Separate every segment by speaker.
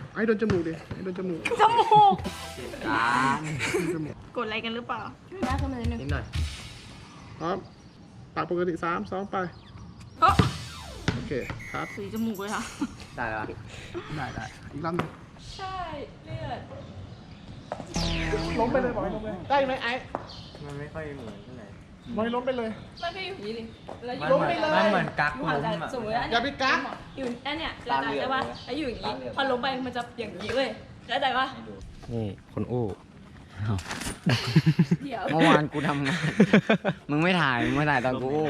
Speaker 1: ไอ้โดนจมูกดิไอ้โดนจมูก
Speaker 2: จมูก
Speaker 1: จมูก
Speaker 2: กดอะไรกันหรือเปล่าหน้าขึ้นมานิดนึง
Speaker 3: นิดหน่อย
Speaker 1: พร้อมปากปกติ3 2ไป
Speaker 2: เฮ้ย
Speaker 1: โอเคครับ
Speaker 2: สีจมูกเลยค่ะ
Speaker 3: ได้แล้ว
Speaker 1: ได้อีกรอบนึง
Speaker 2: ใช่เลือด
Speaker 1: ล้มไปเลยบอยล้มเลยได้ไหมไอ้
Speaker 3: มันไม่ค่อยเหมือนเท่าไหร่
Speaker 1: บอยล้มไปเลย
Speaker 2: มันก็อยู่อย่างนี้ดิแล้ว
Speaker 1: ล้มไปเลย
Speaker 3: มันเหมือนกัก
Speaker 2: หนู
Speaker 3: ล้
Speaker 2: อาจ
Speaker 3: ม
Speaker 2: จะ
Speaker 3: อะ
Speaker 2: สมมติว่า
Speaker 1: อย่าไปกัก
Speaker 2: อยู่อันเนี้ยแล้วใช่ป่ะแล้วอยู่อย่างนี้ พอล้มไปมันจะอย่างนี้เลยเข้าใจป่ะ
Speaker 4: นี่คนอู้
Speaker 2: เดี๋ยว
Speaker 3: เมื่อวานกูทำงาน มึงไม่ถ่ายตอนกูอู้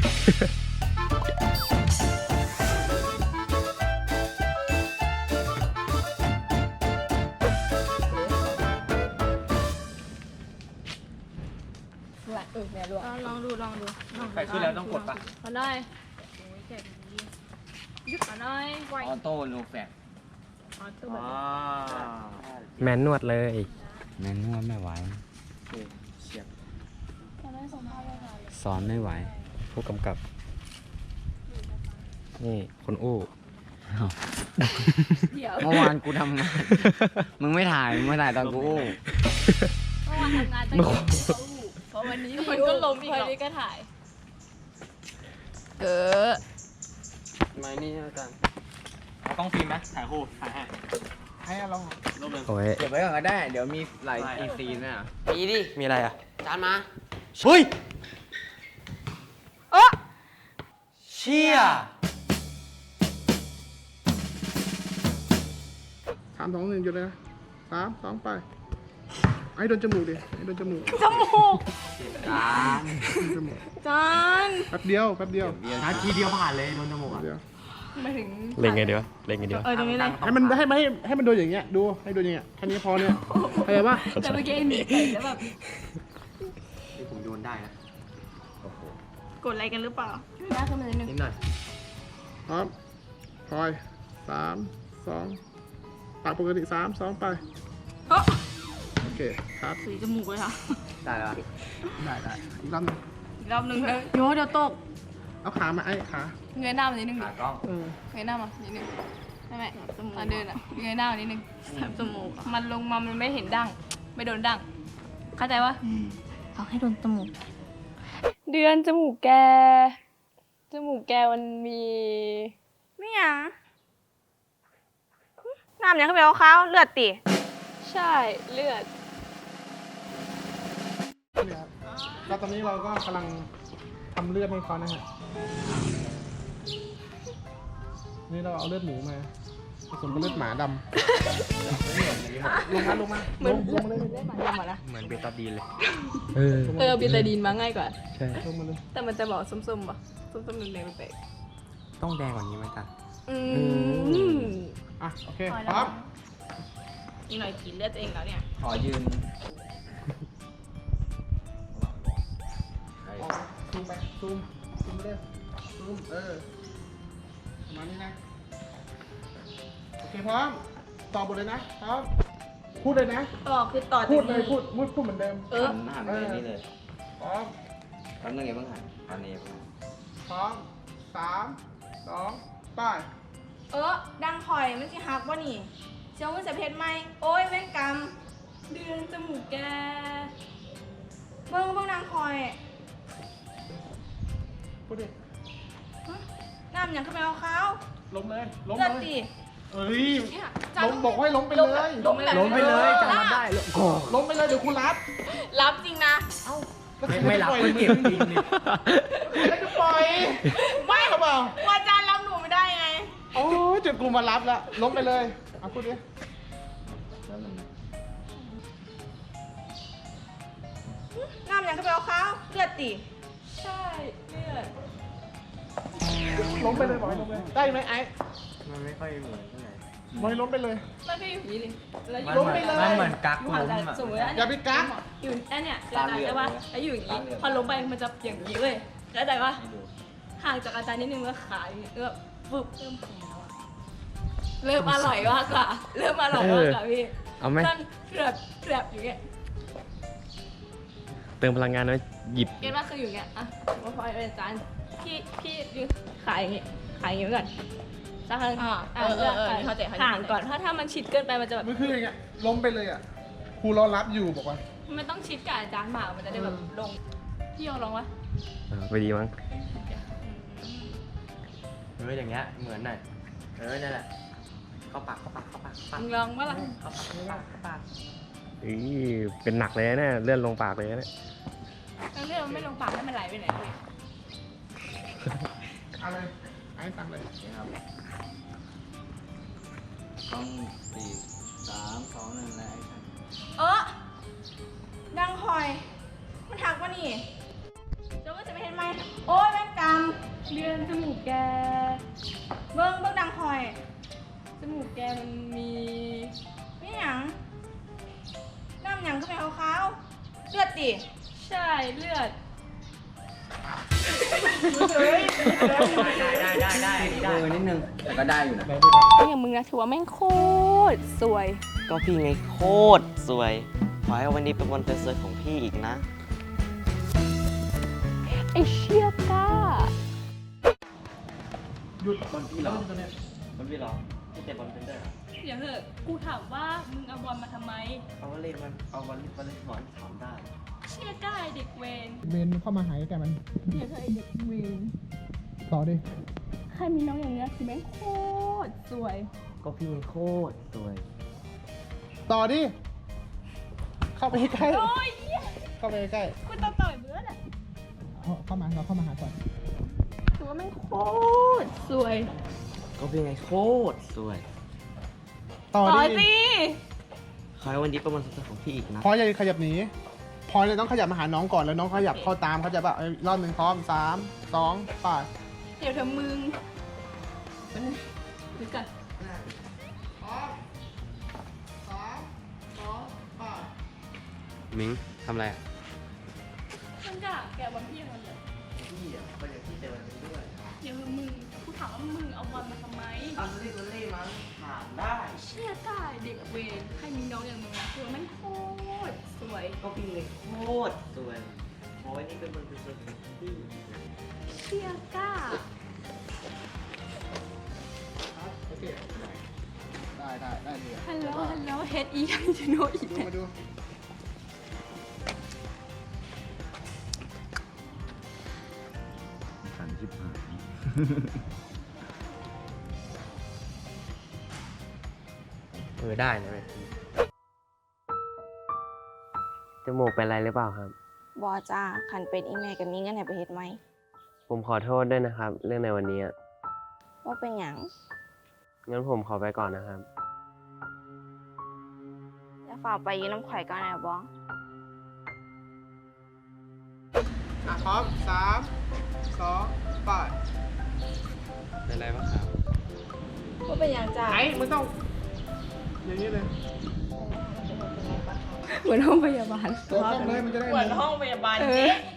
Speaker 2: แม่ลองดู
Speaker 3: ใครขึ้นแล้วต้องกดปะ
Speaker 2: ขอหน่อยยึดขอหน่อยไว
Speaker 3: ออโต้โลแฟก
Speaker 4: แมนนวดเลย
Speaker 3: แม่นวดไม่ไหวเฉียบ
Speaker 4: สอนไม่ไหว ผู้กำกับ นี่คนอู้
Speaker 2: เดี๋ยว
Speaker 3: เมื่อวานกูทำงาน มึงไม่ถ่ายตอนกูอู้
Speaker 2: เมื่อวานทำงานตั้งแต่เพราะวันนี้มันก็ล้มอีกวันนี้ก็ถ่าย
Speaker 3: ไม่นี่อาจารย์เอากล้องฟิล์มไหมถ่ายคู่ถ่ายให้
Speaker 1: ให้ลอง
Speaker 4: โอ้ย
Speaker 3: เก็บไว้ก่อนก็ได้ เดี๋ยวมีหลายอีซีนน่ะมีดิ
Speaker 4: มีอะไรอ่ะ
Speaker 3: จานมา
Speaker 4: เฮ้ย
Speaker 3: เชี่ย
Speaker 1: 3 2 1หยุดเลยนะ3 2ไปไอ้โดนจมูกดิไอ้โดนจมูก
Speaker 2: จมูก
Speaker 3: จาน
Speaker 1: จมูก
Speaker 2: จาน
Speaker 1: แป๊บเดียว
Speaker 3: นาทีเดียวผ่านเลยโดนจมูก
Speaker 1: แป๊บ
Speaker 3: อ่ะ
Speaker 1: เดียว
Speaker 2: มาถึง
Speaker 4: เล่นไงดีวะ เล่นไงดีวะ
Speaker 2: ตรงนี้เลย
Speaker 1: ให้มันโดนอย่างเงี้ยดูให้โดนอย่างเงี้ยแค่นี้พอเนี่ยเข้าใจปะ
Speaker 2: แต่เมื่อกี้หนีไปแล้วแบบ
Speaker 3: ที่ผมโยนได้นะ
Speaker 2: กดอะไรกันหรือเปล่าหน้าขึ้นมานิดนึง
Speaker 3: นิดหน่อย
Speaker 1: พร้อมพลอย3 2ปากปกติ3 2ไป
Speaker 2: เฮ้ย
Speaker 1: โอเคครับ
Speaker 2: สีจมูกเลยค่ะ
Speaker 3: ได้แล้ว
Speaker 1: ได้อีกรอบนึง
Speaker 2: อีกรอบนึงเลยโยเดี๋ยวตก
Speaker 1: เอาขามาไอ้ขา
Speaker 2: เงยหน้ามานิดนึง
Speaker 3: ขากล้อง
Speaker 2: เงยหน้ามานิดนึงใช่ไหมตอนเดินอ่ะเงยหน้ามานิดนึงจมูกมันลงมามันไม่เห็นดั้งไม่โดนดั้งเข้าใจปะเขาให้โดนจมูกเดือนจมูกแกมันมีไม่หยังน้ำยังเขาไปเอาข้าวเลือดติใช่เลือด
Speaker 1: เนี่ยครับแล้วตอนนี้เราก็กำลังทำเลือดให้เขานะฮะนี่เราเอาเลือดหมูมาผสมกับเลือดหมาดำลงมาเลย
Speaker 3: เหมือนเบตาดีนเลย
Speaker 2: บิตาดีนมาง่ายกว่า
Speaker 4: ใช่
Speaker 1: ลงมาเลย
Speaker 2: แต่มันจะบอกส้มๆป่ะส้มๆแดงๆแปลก
Speaker 3: ต้องแดงกว่านี้ไหมจ๊ะ
Speaker 1: อ่ะโอเคพร้อม
Speaker 2: อีกหน่อยกินเลือดตัวเองแล้วเนี่ย
Speaker 3: ขอยืน
Speaker 1: ซูมไปซูมไปเลยซูมประมาณนี้นะโอเคพร้อมตอบบทเลยนะพร้อมพูดเลยนะ
Speaker 2: ต่อคือต่อ
Speaker 1: พูดเลยพูดเหมือนเดิม
Speaker 3: หันไปนี่เลย
Speaker 1: พร้อม
Speaker 3: แป๊บนึงอย่าเพิ่งหันอันนี้
Speaker 1: พร้อม3 2ไป
Speaker 2: ดังคอยมันสิฮักว่านี่เชียวมันจะเพชรไหมโอ้ยแม่งกำเดือนจมูกแกเบิ่งดังคอย
Speaker 1: พูดดิ
Speaker 2: น้ำยังขึ้นไปเอาเขา
Speaker 1: ล้มเลยล้ม
Speaker 2: เลือด
Speaker 1: เลย
Speaker 2: ดิ
Speaker 1: เอ้ย
Speaker 2: เนี่ย
Speaker 1: ล้มบอกให้ล้มไปเลย
Speaker 2: ล้มไปเลย
Speaker 3: จำมันได้
Speaker 1: ล้มไปเลยเดี๋ยวคุณรับ
Speaker 2: รับจริงนะ
Speaker 3: ไม่รับไม่เก็บจริงนี่
Speaker 1: ไม่จะปล่อยไม่หรอเปล่า
Speaker 2: ว่าจานรับหนูไม่ได้ไง
Speaker 1: โอ้ยจุดกูมารับแล้วล้มไปเลยเอาพูดดิ
Speaker 2: น้ำยังขึ้นไปเอาเขาเลือดดิใช่เลือด
Speaker 1: ล้มไปเลยบอกให้ล้มเลยได้ไหมไอ้
Speaker 3: มันไม่ค่อยเหมือนเท่าไหร่
Speaker 1: บอกให้ล้มไปเลย
Speaker 2: มันก็อยู่อย่างนี้ดิแล้ว
Speaker 1: ล้มไปเลย
Speaker 3: มันเหมือนกัก
Speaker 2: หนู
Speaker 3: ล้
Speaker 2: อาจ
Speaker 3: ม
Speaker 2: จะ
Speaker 3: อ่ะ
Speaker 2: สมมติว่า
Speaker 1: อย่าไปกัก
Speaker 2: อยู่อันเนี้ยแล้วใช่ป่ะแล้วอยู่อย่างนี้ พอล้มไปมันจะอย่างนี้เลยแล้วใจป่ะห่างจากอาจารย์นิดนึงแล้วขาอย่างนี้แล้วฟึบเริ่มแข็งแล้วอะเริ่มอร่อยมากกว่าเริ่มอร่อยมากกว่าพี่
Speaker 4: เอาไหม
Speaker 2: นั่นเกลือบอยู่เงี้ย
Speaker 4: เติมพลังงานไว้หยิบ
Speaker 2: เก็ตว่าคืออยู่เงี้ยอ่ะว่าพอเป็นอาจารย์พี่ยืนขายอย่างงี้ขายอย่างงี้ก่อนสักครั้งเลือกห่างก่อนถ้ามันชิดเกินไปมันจะแบบ
Speaker 1: มันคืออย่างเงี้ยล้มไปเลยอ่ะครูรอรับอยู่บอกว่า
Speaker 2: มันต้องชิดกับอาจารย์หมากมันจะได้แบบลงพี่ยองลองวะ
Speaker 4: ไปดีมั้ง
Speaker 3: อย่างเงี้ยเหมือนหน่อยนั่นแหละเข้าปาก
Speaker 2: มึงลองวะล่ะ
Speaker 3: เข้าปาก
Speaker 4: เป็นหนักเลยนะเนี่ยเลื่อนลงปากเลยนะเนี่ย
Speaker 2: แล้วเรื่องมันไม่ลงปากให้มันไหลไปไหนเลย
Speaker 1: เอาเลยไอ้สั่งเลย
Speaker 3: ครับต้อง4 3 2 1แล้ว
Speaker 2: ดังคอย มันถักวะนี่เจ้าก็จะไม่เห็นไหมโอ้ยแม่งกำเดือนจมูกแกเบิ้งดังคอยจมูกแกมันมีไม่หยังน้ำหยังก็เป็นขาวๆเลือดดิใช่เลือด
Speaker 3: ได้นิดนึงแต่ก็ได้อยู่นะ
Speaker 2: อย่างมึงนะถือว่าแม่งโคตรสวย
Speaker 5: ก็พี่ไงโคตรสวย ขอให้วันนี้เป็นวันสวยๆของพี่อีกนะ
Speaker 2: ไอเชี่ยก้า
Speaker 1: หยุด
Speaker 3: บอลพี่เหรอ
Speaker 1: ตัวเนี้ย
Speaker 3: บอลพี่เหรอพี่เตะบอลเป็นด้วยเหรอ
Speaker 2: เดี๋ยวเถอะกูถามว่ามึงเอาบอลมาทำไม
Speaker 3: เอาวอลเลย์มันเอาวอลเลย์บอลถามได้
Speaker 2: เชี่ยก้าไอ้เด็กเวร
Speaker 1: เมนเข้ามาหายแต่มัน
Speaker 2: เดี๋ยวเธอไอ้เด็กเวร
Speaker 1: ต่อดิ
Speaker 2: ใครมีน้องอย่างเนี้ยคือแม่งโคตรสวย
Speaker 5: ก็พี่ไงโคตรสวย
Speaker 1: ต่อดิ เข้าไปใกล้
Speaker 2: โอ้ยเหี้ย
Speaker 1: เข้าไปใกล้
Speaker 2: กูต้องต่อยเบื่อแหละ
Speaker 1: เข้ามาเราเข้ามาหาก่อน
Speaker 2: ถือว่าแม่งโคตรสวย
Speaker 5: ก็พี่ไงโคตรสวย
Speaker 1: ต่อ
Speaker 2: ต่อย
Speaker 1: ดิ
Speaker 2: สิ
Speaker 5: ขอให้วันนี้เป็นวันสวยๆของพี่อีกนะ
Speaker 1: พออย่าขยับหนีพอเลยต้องขยับมาหาน้องก่อนแล้วน้องขยับเข้าตามเขาใจะแบบรอบหนึ่งพร้อม3 2 8
Speaker 2: เดี๋ยวเธอมึงดูกัน
Speaker 1: พร้อม3 2 8
Speaker 4: มิงทำอะไรอะ
Speaker 2: มันกะแกบอลพี่มันเลย
Speaker 3: พี่อ่ะก็อย่างที่เตะบอลเป็นด้วย
Speaker 2: เดี๋ยวมึงกูถามว่ามึงเอาบอลมาทำไม
Speaker 3: เอาวอลเลย์มั้งถามได้
Speaker 2: เชี่ยก้าไอ้เด็กเวรใครมีน้องอย่างมึงนะคือว่าแม่งโคตรสวย
Speaker 5: ก็พี่ไงโคตรสวย ขอให้วันนี้เป็นวันสวยๆของพี่อีกนะ
Speaker 2: เชี่ยก้า
Speaker 1: โอเคได้เลย
Speaker 2: ฮัลโหลเฮดอียังจะโนอีก
Speaker 1: ดูมาดู
Speaker 6: ขันชิบหาย
Speaker 4: ได้นะเว้ย
Speaker 5: จมูกเป็นไรหรือเปล่าครับ
Speaker 7: บอจ้าขันเป็นอีแม่กับมีเงินให้ไปเฮ็ดไหม
Speaker 5: ผมขอโทษด้วยนะครับ เรื่องในวันนี้อะ
Speaker 7: ว่าเป็นหยัง
Speaker 5: งั้นผมขอไปก่อนนะครับ
Speaker 7: จะฝากไปยืนน้ำข่อยก่อนนะบอ
Speaker 1: พร้อม3 2 8
Speaker 4: เป็นไรบ้างครับ
Speaker 7: ว่าเป็นหยังจ้า
Speaker 1: ไอ้ไม่ต้องอย่างนี้เลย
Speaker 2: เหมือนห้องพยาบาล
Speaker 1: ตัวกล้องเลยมันจะได้
Speaker 7: เหมือนห้องพยาบาล
Speaker 2: เอ
Speaker 7: เจ๊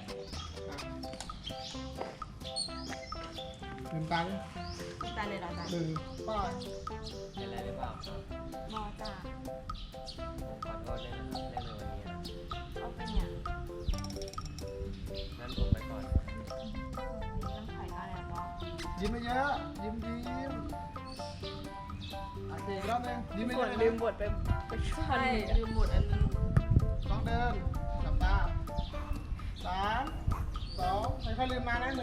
Speaker 1: ลืมตาเลย
Speaker 7: ตาเลยเหรอจ้า
Speaker 1: 1 ป้าย
Speaker 3: เป็นไรหรือเปล่าครับ
Speaker 7: บอจ้า
Speaker 3: ผมขอโทษด้วยนะครับเรื่องในวันนี้
Speaker 7: ว่าเป็นหยัง
Speaker 3: งั้นผมไปก่อน
Speaker 7: ยืนน้ำข่อยก่อนนะบอ
Speaker 1: ยิ้มไม่เยอะยิ้มโอเคอีกรอบหนึงยิ้มไม่เยอะ
Speaker 2: ลืมบทไปช่วยลืมบทอันนึง
Speaker 1: ต้องเดินหลับตา3 2ไม่ค่อยลืมมานะ1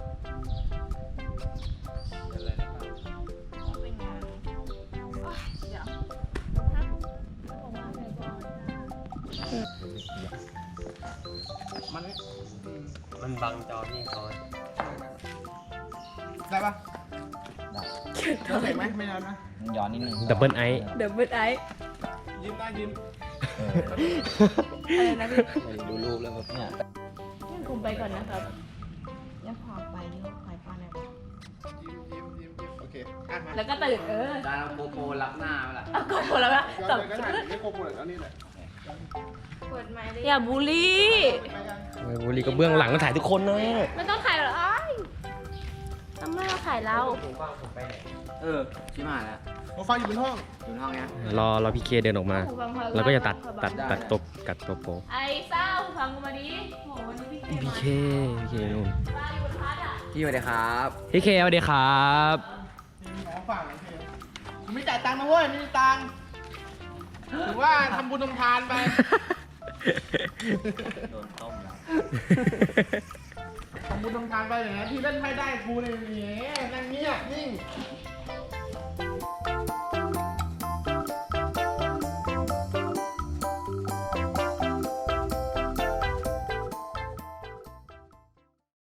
Speaker 3: เป็นไรหรือเปล่า
Speaker 7: ว่าเป็นหยัง
Speaker 2: เดี๋ยวบอกว่าพยาบาล
Speaker 1: มันนี่
Speaker 4: มันบังจอพี่เขา
Speaker 1: ได้ปะได้เห็นไหมไม่นานนะ
Speaker 3: ย้อนนิดนึง
Speaker 4: ดับเบิลไอ
Speaker 2: เดี๋ยวเบิร์ดไอ
Speaker 1: ยิ้มได้ยิ้ม
Speaker 2: อะไรนะพี่
Speaker 3: ดูรูปแล้วแบบเนี่ย
Speaker 2: งั้นผมไปก่อนนะครับ
Speaker 7: จะฝากไปยืนน้ำข่อยก่อนนะบอ
Speaker 1: ยิ้มโอเคอ่ะมา
Speaker 2: แล้วก็ตื่น
Speaker 3: ได้แล้วโปรับหน้าไปละ
Speaker 2: เอาก็หมดแล้วนะ
Speaker 1: ย้อน
Speaker 2: สับ
Speaker 1: เลยก็ถ่ายไม่โกงหมดแล้วนี่แหละ
Speaker 7: เปิดไม้ได้
Speaker 2: อย่าบูลลี่
Speaker 1: ไปกัน
Speaker 4: บุรีก็เบื้องหลังก็ถ่ายทุกคนนะ
Speaker 2: ไม่ต้องถ่ายหรอกอ้ายทำไมเราถ่ายเรา
Speaker 3: ผมว่างผมไปไหนชิบหายแล้ว
Speaker 1: โอ้ฟังอยู่บนห้อง
Speaker 3: อยู่ในห้องเนี้ย
Speaker 4: รอพี่เคเดินออกมา แล้วก็จะตัดตัวโป
Speaker 2: ไอ้เศร้าฟังกูมาดิโหวันนี้พี่
Speaker 4: พี่
Speaker 2: เค
Speaker 4: เคนู่น
Speaker 2: มาอยู่บนพัดอ่ะ
Speaker 3: พี่สวัสดีครับ
Speaker 4: พี่เคสวัสดีครับ
Speaker 1: หมอไฟฝากหน่อยพี่ผมไม่จ่ายตังค์นะเว้ยไม่มีตังค์ถือว่าทำบุญทำทานไป
Speaker 3: โดนต้มแล้ว
Speaker 1: ทำบุญทำทานไปอย่างเงี้ยที่เล่นไพ่ได้กูเนี่ย